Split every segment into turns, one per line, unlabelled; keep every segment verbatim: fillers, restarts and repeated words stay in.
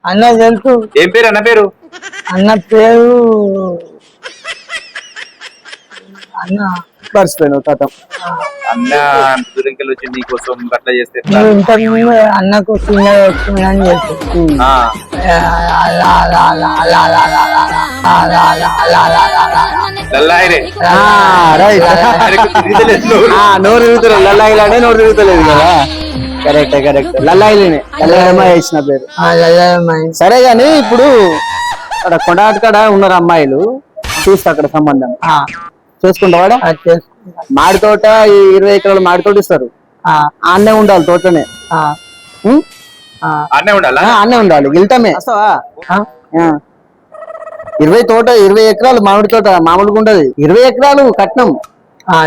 అన్న తెలుసు.
ఏం పేరు అన్న పేరు?
అన్న పేరు అన్న
మర్చిపోయాను కథం.
అన్న దురింకెళ్ళి వచ్చి నీకోసం అట్లా చేస్తే ఎట్లా?
నువ్వు ఇంతకు ముందు అన్నకు చిన్న వస్తుందని చెప్పి
ఆ, లల్లాయి రే.
రైట్.
ఆయనకు తిరుగుతలేదు నోరు.
నోరు తిరుగుతలేదు, లల్లాయిలానే నోరు తిరుగుతలేదు కదా. కరెక్ట్ కరెక్ట్, లల్లాయిలేనే లల్లాయమ్మ వేసిన పేరు. సరే గాని ఇప్పుడు అక్కడ కొడాటకాడ ఉన్నారు అమ్మాయిలు, చూస్తా అక్కడ సంబంధం చూసుకుంటావాడా? మాడి తోట ఈ ఇరవై ఎకరాలు మాడి తోట ఇస్తారు, ఆన్నే ఉండాలి తోటనే. ఉం?
అన్నే ఉండాలా?
ఆ, ఆన్నే ఉండాలి. వెళ్తామే వస్తావా? ఆ. ఇరవై తోట ఇరవై ఎకరాలు మామిడి తోట మామూలుగా ఉండదు. ఇరవై ఎకరాలు కట్నం. ఆ,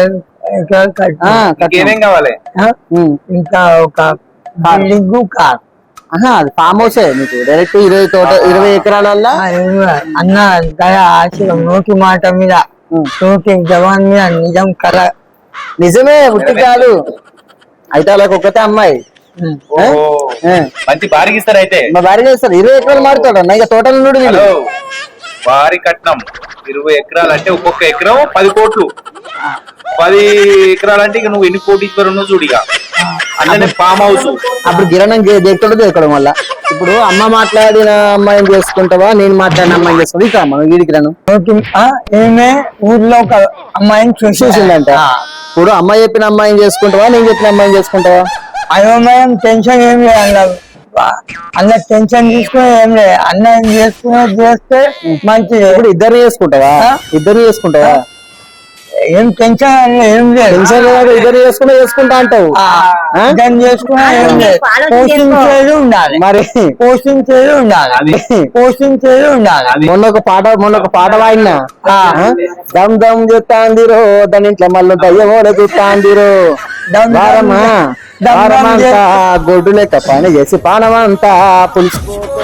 కట్నం.
ఏమేం కావాలి?
ఉం.
ఇంకా ఒక బిల్డింగ్ కార్.
ఆహా, అది ఫామ్ హౌసే నీకు డైరెక్ట్ ఇరవై తోట ఇరవై ఎకరాలల్లా.
అన్న దయ ఆశయం నోటి మాట మీద నోటి జవాన్ మీద నిజం కల.
నిజమే, ఉట్టి కాదు. అయితే అలాగ ఒక్కతే అమ్మాయి.
ఓ, మంచి భారీగా ఇస్తారు అయితే.
మా భార్య చేస్తారు. ఇరవై ఎకరాలు మారుతాడు అన్న, ఇక తోటలు నుండి వీళ్ళు.
హలో, భారీ కట్నం. ఇరవై ఎకరాలు అంటే ఒక్కొక్క ఎకరం పది కోట్లు. పది ఎకరాలు అంటే ఇక నువ్వు ఎన్ని కోటీశ్వరు ఉన్నావు చూడిగా. అన్ననే ఫామ్ హౌస్.
అప్పుడు గిరణం దేక్కడం దేక్కడం వల్ల. ఇప్పుడు అమ్మ మాట్లాడిన అమ్మాయిని చేసుకుంటావా, నేను మాట్లాడిన అమ్మాయిని చేసుకుంటా? ఇక మనం వీడి కిరణం
ఏమే ఊర్లో ఒక అమ్మాయిని
చూసిందంట. ఇప్పుడు అమ్మాయి చెప్పిన అమ్మాయిని చేసుకుంటావా, నేను చెప్పిన అమ్మాయిని చేసుకుంటావా?
అయోమయం టెన్షన్ ఏం లేదు అన్న. అన్న టెన్షన్ తీసుకుని ఏం లేదు, అన్న చేసుకునే చేస్తే మంచిది.
ఇప్పుడు ఇద్దరు చేసుకుంటావా? ఇద్దరు చేసుకుంటావా?
ఏం టెన్షన్ ఏం లేదు.
టెన్షన్ లేదు, ఇద్దరు చేసుకున్నా చేసుకుంటా అంటావు.
దాన్ని చేసుకున్నా ఏం లేదు. పోషించేది ఉండాలి,
మరి
పోషించేది ఉండాలి, పోషించేది ఉండాలి.
మొన్న ఒక పాట మొన్న ఒక పాట వాడినా, దమ్ దమ్ చూస్తాందిరో దాని ఇంట్లో మళ్ళీ దయ్యమోడ చూస్తాందిరో. వారమా వారమంతా గొడ్డు లెక్క పని చేసి పానమంతా పులిసిపోతే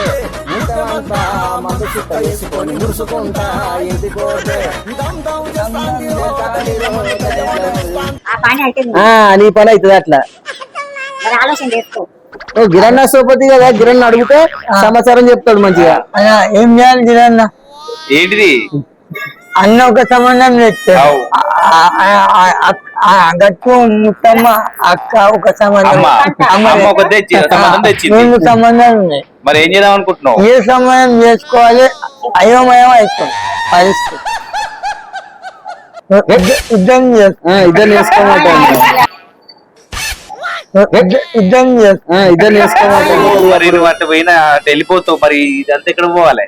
నీ పని అవుతుంది అట్లా. నువ్వు గిరన్న సోపతి కదా, గిరన్న అడిగితే సమాచారం చెప్తాడు మంచిగా.
ఏం చేయాలి గిరన్న?
ఏంటిది?
అన్న ఒక సంబంధం తెచ్చాడు, గట్టు ముత్తమ్మ అక్క ఒక సంబంధం, రెండు సంబంధాలు ఉన్నాయి.
మరి ఏం చేద్దాం అనుకుంటున్నావు?
ఏ సంబంధం చేసుకోవాలి అయోమయం అవుతుంది పరిస్థితి. ఇద్దరు
ఇద్దరు చేసుకోమంటే
ఇద్దరు
ఇద్దరు చేసుకోమంటే
మరి నువ్వు అట్లా పోయినా వెళ్ళిపోతావు. మరి ఇదంతా ఎక్కడ పోవాలి?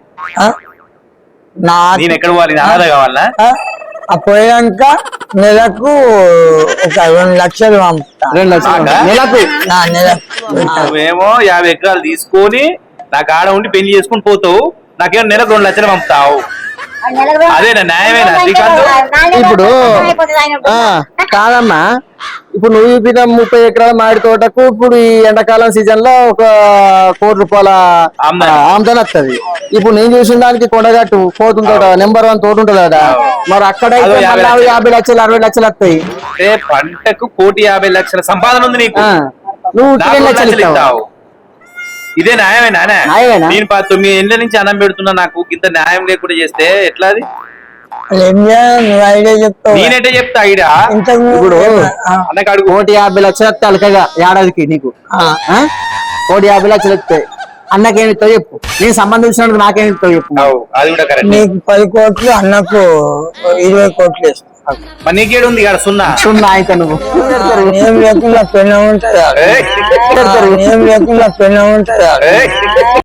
నేను ఎక్కడ పోవాలి? ఆదా కావాలా?
పోయాక నెలకు ఒక రెండు లక్షలు పంపుతా.
రెండు లక్షలు నెలకు?
నువ్వేమో యాభై ఎకరాలు తీసుకొని నాకు ఆడ ఉండి పెళ్లి చేసుకుని పోతావు, నాకేమో నెలకు రెండు లక్షలు పంపుతావు. అదేనా న్యాయమేనా శ్రీకాంత్?
ఇప్పుడు కాదమ్మా, ఇప్పుడు నువ్వు చూపిన ముప్పై ఎకరాల మామిడి తోటకు ఇప్పుడు ఈ ఎండాకాలం సీజన్ లో ఒక కోటి రూపాయల ఆమ్దాని వస్తుంది. ఇప్పుడు నేను చూసిన దానికి కొండగట్టు పోతుంది తోట నెంబర్ వన్ తోట ఉంటుంది కదా, మరి అక్కడ యాభై లక్షలు అరవై లక్షలు వస్తాయి.
పంటకు కోటి యాభై లక్షల సంపాదన ఉంది నీకు,
నువ్వు రెండు లక్షలు ఇస్తావు.
ఇదే న్యాయమేనా? నేను తొమ్మిది ఏళ్ళ నుంచి అన్నం పెడుతున్నా, నాకు ఇంత న్యాయం లేకుండా చేస్తే ఎట్లా? అది నేనంటే చెప్తా ఐడియా.
ఇప్పుడు కోటి యాభై లక్షలు వస్తే అలకగా ఏడాదికి నీకు కోటి యాభై లక్షలు వస్తాయి. అన్నకేమిస్తావు చెప్పు, నేను సంబంధించినందుకు నాకేమిస్తావు చెప్పు.
అది కూడా కరెక్ట్.
నీకు పది కోట్లు, అన్నకు ఇరవై కోట్లు ఇస్తావు.
మరి నీకేడు ఉంది కదా సున్నా
సున్నా అయితే నువ్వు
ఏం లేకుండా పెళ్ళ ఉంటుందా? ఏం లేకుండా పెళ్ళ ఉంటుందా?